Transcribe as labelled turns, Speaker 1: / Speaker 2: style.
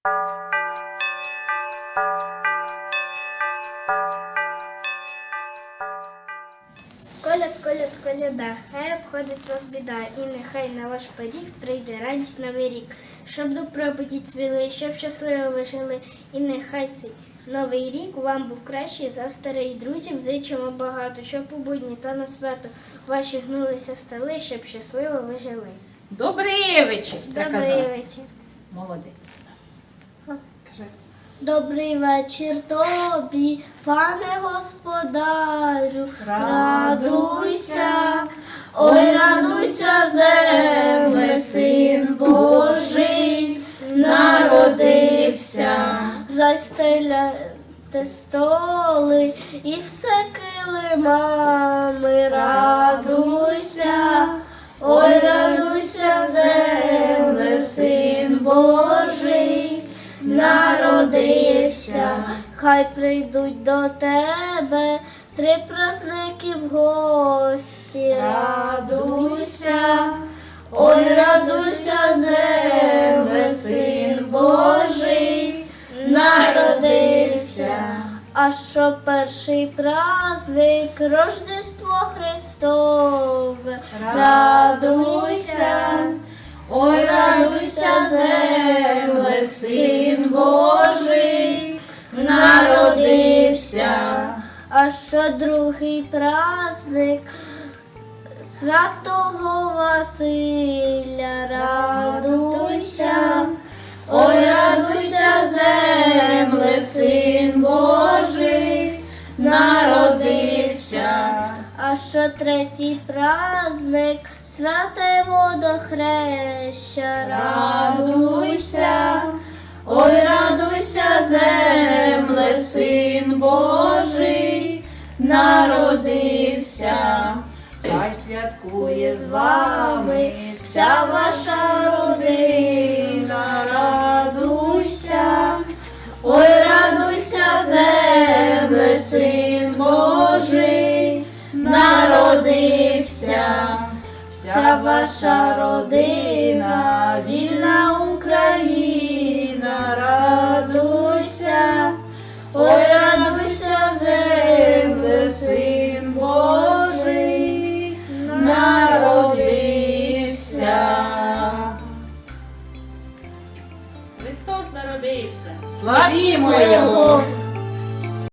Speaker 1: Коляд, коляд, коляда, хай обходить вас біда, і нехай на ваш поріг прийде радість новий рік, щоб добробуті цвіли, щоб щасливо ви жили, і нехай цей новий рік вам був кращий за старий. Друзів зичимо багато, щоб у будні та на свято ваші гнулися столи, щоб щасливо ви жили.
Speaker 2: Добрий вечір,
Speaker 1: Добрий вечір.
Speaker 2: Молодець. Кажи.
Speaker 1: Добрий вечір тобі, пане господарю, радуйся, ой, радуйся, земле, син Божий народився. Застеляйте столи і все килимами, радуйся, ой, радуйся, земле, син Божий народився. Хай прийдуть до тебе три праздники в гості. Радуйся, ой, радуйся, земле, син Божий народився. А що перший праздник Рождество Христове. Радуйся, ой, радуйся, земле, син Божий народився. А що другий праздник Святого Василя. Радуйся, ой, радуйся, земле, син Божий народився. А що третій праздник святе водохреща. Радуйся, ой, радуйся, земле, син Божий народився.
Speaker 2: Хай святкує з вами вся ваша родина. Радуйся, ой, радуйся, земле, син Божий народився. Вся ваша родина, вільна Україна, радуйся, ой, радуйся, земле, син Божий народився.
Speaker 3: Христос народився.
Speaker 2: Славімо Його!